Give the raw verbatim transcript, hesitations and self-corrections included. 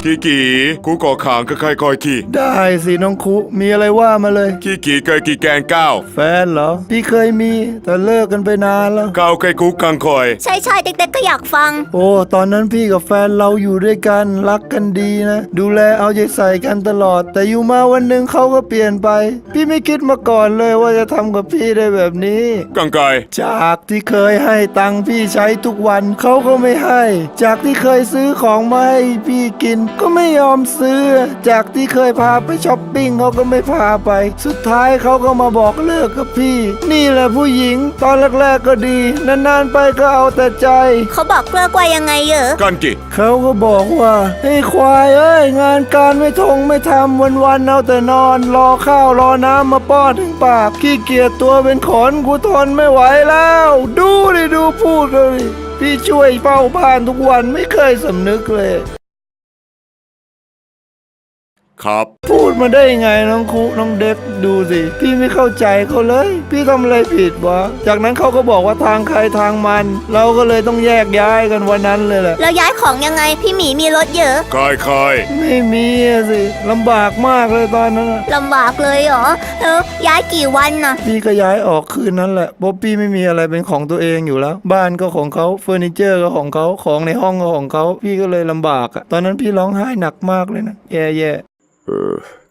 กี่กี่กูก่อขางก็ใครคอยกี่ได้สิน้องคุมีอะไรว่ามาเลยกี่กี่เคยกี่แกงก้าวแฟนเหรอพี่เคยมีแต่เลิกกันไปนานแล้วก้าวเคยกูกังคอยใช่ใช่เด็กๆก็อยากฟังโอ้ตอนนั้นพี่กับแฟนเราอยู่ด้วยกันรักกันดีนะดูแลเอาใจใส่กันตลอดแต่อยู่มาวันหนึ่งเขาก็เปลี่ยนไปพี่ไม่คิดมาก่อนเลยว่าจะทำกับพี่ได้แบบนี้กังไกจากที่เคยให้ตังค์พี่ใช้ทุกวันเขาก็ไม่ให้จากที่เคยซื้อของมาให้พี่กินก็ไม่ยอมซื้อจากที่เคยพาไปช้อปปิ้งเขาก็ไม่พาไปสุดท้ายเขาก็มาบอกเลิกกับพี่นี่แหละผู้หญิงตอนแรกๆก็ดีนานๆไปก็เอาแต่ใจเขาบอกเลิกว่ายังไงเหรอกันกี่เขาก็บอกว่าไอ้ควายเอ้ยงานการไม่ทงไม่ทำวันๆเอาแต่นอนรอข้าวรอน้ำมาป้อนถึงปากขี้เกียจตัวเป็นขนกูทนไม่ไหวแล้วดูดิดูพูดเลยพี่ช่วยเฝ้าบ้านทุกวันไม่เคยสำนึกเลยครับพูดมาได้ยังไงน้องคุน้องเด็กดูสิพี่ไม่เข้าใจเขาเลยพี่ทำอะไรผิดวะจากนั้นเขาก็บอกว่าทางใครทางมันเราก็เลยต้องแยกย้ายกันวันนั้นเลยแหละแล้วย้ายของยังไงพี่หมีมีรถเยอะคอยคอยไม่มีสิลำบากมากเลยตอนนั้นลำบากเลยเหรอแล้วย้ายกี่วันน่ะพี่ก็ย้ายออกคืนนั้นแหละเพราะพี่ไม่มีอะไรเป็นของตัวเองอยู่แล้วบ้านก็ของเขาเฟอร์นิเจอร์ก็ของเขาของในห้องก็ของเขาพี่ก็เลยลำบากอะตอนนั้นพี่ร้องไห้หนักมากเลยนะแย่ๆ